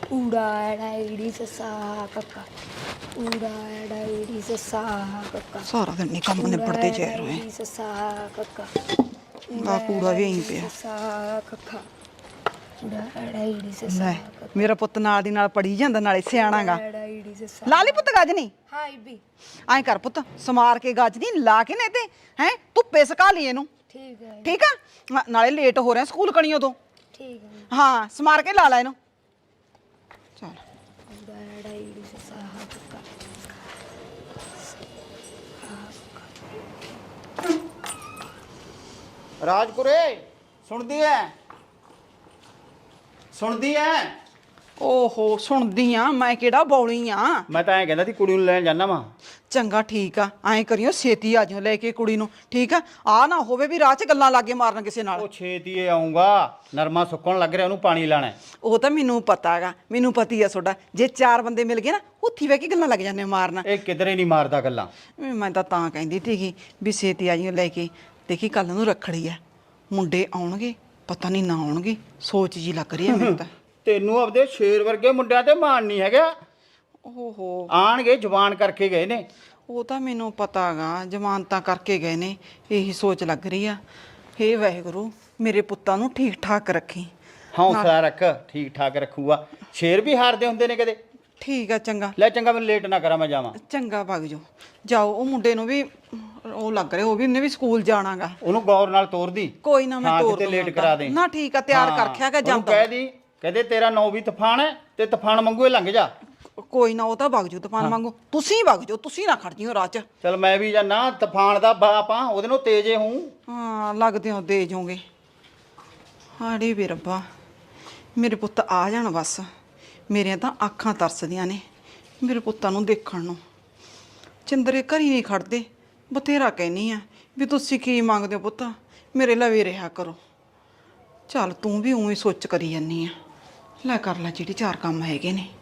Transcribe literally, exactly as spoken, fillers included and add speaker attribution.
Speaker 1: ਊੜਾ ਐੜਾ ਈੜੀ ਸੱਸਾ ਕੱਕਾ ਊੜਾ ਐੜਾ ਈੜੀ ਸੱਸਾ ਕੱਕਾ
Speaker 2: ਸਾਰਾ ਦਿਨ ਨਹੀਂ ਕੰਮ ਨਿਬੜਦੇ ਜੇ ਰਹੇ
Speaker 1: ਈੜੀ ਸੱਸਾ ਕੱਕਾ
Speaker 2: ਆ ਕੂੜਾ ਵੀ ਐਂ ਪਿਆ
Speaker 1: ਸੱਸਾ ਕੱਕਾ ਊੜਾ ਐੜਾ ਈੜੀ ਸੱਸਾ
Speaker 2: ਲੈ ਮੇਰਾ ਪੁੱਤ ਨਾਲ ਦੀ ਨਾਲ ਪੜੀ ਜਾਂਦਾ ਨਾਲੇ ਸਿਆਣਾਗਾ
Speaker 1: ਐੜਾ ਈੜੀ ਸੱਸਾ
Speaker 2: ਲਾ ਲਈ ਪੁੱਤ ਗੱਜ ਨਹੀਂ
Speaker 1: ਹਾਂ ਬੀ
Speaker 2: ਐਂ ਕਰ ਪੁੱਤ ਸਮਾਰ ਕੇ ਗੱਜ ਨਹੀਂ ਲਾ ਕੇ ਨੇ ਤੇ ਹੈ ਧੁੱਪੇ ਸੁਕਾ ਲਈ ਇਹਨੂੰ
Speaker 1: ਠੀਕ ਹੈ
Speaker 2: ਠੀਕ ਆ ਨਾ- ਨਾਲੇ ਲੇਟ ਹੋ ਰਿਹਾ ਸਕੂਲ ਕਣੀਓ ਤੋਂ
Speaker 1: ਠੀਕ ਹੈ
Speaker 2: ਹਾਂ ਸਮਾਰ ਕੇ ਲਾ ਲੈ ਇਹਨੂੰ ਚਲ
Speaker 1: ਊੜਾ ਐੜਾ ਈੜੀ ਸੱਸਾ ਕੱਕਾ
Speaker 3: ਰਾਜਪੁਰੇ ਸੁਣਦੀ ਐ ਸੁਣਦੀ ਐ
Speaker 2: ਓਹੋ ਸੁਣਦੀ ਆ ਮੈਂ ਕਿਹੜਾ ਬੌਲੀ ਆ
Speaker 3: ਮੈਂ ਤਾਂ ਐਂ ਕਹਿੰਦਾ ਸੀ ਕੁੜੀ ਨੂੰ ਲੈਣ ਜਾਣਾ ਵਾ
Speaker 2: ਚੰਗਾ ਠੀਕ ਆ ਐਂ ਕਰਿਓ ਛੇਤੀ ਆ ਜਿਓ ਲੈ ਕੇ ਕੁੜੀ ਨੂੰ ਠੀਕ ਆ ਆ ਨਾ ਹੋਵੇ ਵੀ ਰਾਹ 'ਚ ਗੱਲਾਂ ਲਾਗੇ ਮਾਰਨ ਕਿਸੇ ਨਾਲ
Speaker 3: ਉਹ ਛੇਤੀ ਆਉਂਗਾ ਨਰਮਾ ਸੁੱਕਣ ਲੱਗ ਰਿਹਾ ਉਹਨੂੰ ਪਾਣੀ ਲਾਣਾ
Speaker 2: ਉਹ ਤਾਂ ਮੈਨੂੰ ਪਤਾ ਹੈਗਾ ਮੈਨੂੰ ਪਤੀ ਆ ਤੁਹਾਡਾ ਜੇ ਚਾਰ ਬੰਦੇ ਮਿਲ ਗਏ ਨਾ ਉੱਥੀ ਬਹਿ ਕੇ ਗੱਲਾਂ ਲੱਗ ਜਾਂਦੇ ਮਾਰਨ
Speaker 3: ਇਹ ਕਿਧਰੇ ਨਹੀਂ ਮਾਰਦਾ ਗੱਲਾਂ
Speaker 2: ਮੈਂ ਤਾਂ ਤਾਂ ਕਹਿੰਦੀ ਸੀਗੀ ਵੀ ਛੇਤੀ ਆ ਜਿਓ ਲੈ ਕੇ ਦੇਖੀ ਕੱਲ ਨੂੰ ਰੱਖੜੀ ਆ ਮੁੰਡੇ ਆਉਣਗੇ ਪਤਾ ਨਹੀਂ ਨਾ ਆਉਣਗੇ ਸੋਚ ਜੀ ਲੱਗ ਰਹੀ ਹੈ ਮੈਨੂੰ ਤਾਂ
Speaker 3: ਤੈਨੂੰ ਆਪਦੇ ਸ਼ੇਰ ਵਰਗੇ ਮੁੰਡਿਆਂ ਤੇ ਮਾਣ ਨਹੀਂ ਹੈਗਾ
Speaker 2: ਓਹੋ
Speaker 3: ਆਣਗੇ ਜਵਾਨ ਕਰਕੇ ਗਏ ਨੇ
Speaker 2: ਉਹ ਤਾਂ ਮੈਨੂੰ ਪਤਾ ਹੈਗਾ ਜ਼ਮਾਨਤਾਂ ਕਰਕੇ ਗਏ ਨੇ ਇਹੀ ਸੋਚ ਲੱਗ ਰਹੀ ਆ ਹੇ ਵਾਹਿਗੁਰੂ ਮੇਰੇ ਪੁੱਤਾਂ ਨੂੰ ਠੀਕ ਠਾਕ ਰੱਖੀ
Speaker 3: ਹੌਸਲਾ ਰੱਖ ਠੀਕ ਠਾਕ ਰੱਖੂਗਾ ਸ਼ੇਰ ਵੀ ਹਾਰਦੇ ਹੁੰਦੇ ਨੇ ਕਦੇ
Speaker 2: ਠੀਕ ਆ ਚੰਗਾ
Speaker 3: ਲੈ ਚੰਗਾ ਮੈਨੂੰ ਲੇਟ ਨਾ ਕਰਾਂ ਮੈਂ ਜਾਵਾਂ
Speaker 2: ਚੰਗਾ ਭਗ ਜਾਓ ਜਾਓ ਉਹ ਮੁੰਡੇ ਨੂੰ ਵੀ ਉਹ ਲੱਗ ਰਿਹਾ ਉਹ ਵੀ ਉਹਨੇ ਵੀ ਸਕੂਲ ਜਾਣਾਗਾ
Speaker 3: ਉਹਨੂੰ ਗੌਰ ਨਾਲ ਤੋਰਦੀ
Speaker 2: ਕੋਈ ਨਾ ਮੈਂ
Speaker 3: ਹਾਂ,
Speaker 2: ਤੋਰ
Speaker 3: ਕਿਤੇ ਲੇਟ
Speaker 2: ਦੂੰਗਾ।
Speaker 3: ਕਰਾ ਦੇ
Speaker 2: ਨਾ ਠੀਕ ਆ ਤਿਆਰ ਕਰ ਰੱਖਿਆ ਗਾ
Speaker 3: ਉਹਨੂੰ
Speaker 2: ਜਾਂਦਾ
Speaker 3: ਕਹਿ ਦੀ ਕਹਦੇ ਤੇਰਾ ਨੌ ਵੀ ਤੂਫਾਨ ਹੈ ਤੇ ਤੂਫਾਨ ਵਾਂਗੂ ਹੀ ਲੰਘ ਜਾ
Speaker 2: ਕੋਈ ਨਾ ਉਹ ਤਾਂ ਵਗ ਜਾਓ ਤੂਫਾਨ ਵਾਂਗੂ ਤੁਸੀਂ ਵਗ ਜਾਓ ਤੁਸੀਂ ਨਾ ਖੜ ਜਿਓ ਰਾਹ 'ਚ
Speaker 3: ਚਲ ਮੈਂ ਵੀ ਜਾਨਾ ਤੂਫਾਨ ਦਾ ਬਾਪ ਆ ਉਹਦੇ ਨੂੰ ਤੇਜੇ ਹੂੰ
Speaker 2: ਹਾਂ ਲੱਗਦੇ ਹੋ ਦੇ ਜਾਓਗੇ ਹਾੜੇ ਵੀ ਰੱਬਾ ਮੇਰੇ ਪੁੱਤ ਆ ਜਾਣ ਬਸ ਮੇਰੀਆਂ ਤਾਂ ਅੱਖਾਂ ਤਰਸਦੀਆਂ ਨੇ ਮੇਰੇ ਪੁੱਤਾਂ ਨੂੰ ਦੇਖਣ ਨੂੰ ਚੰਦਰੇ ਘਰੀ ਨਹੀਂ ਖੜਦੇ ਬਥੇਰਾ ਕਹਿਨੀ ਆ ਵੀ ਤੁਸੀਂ ਕੀ ਮੰਗਦੇ ਹੋ ਪੁੱਤ ਮੇਰੇ ਲਵੇ ਰਿਹਾ ਕਰੋ ਚੱਲ ਤੂੰ ਵੀ ਉਵੇਂ ਸੋਚ ਕਰੀ ਜਾਨੀ ਆ ਲੈ ਕਰ ਲੈ ਜਿਹੜੀ ਚਾਰ ਕੰਮ ਹੈਗੇ ਨੇ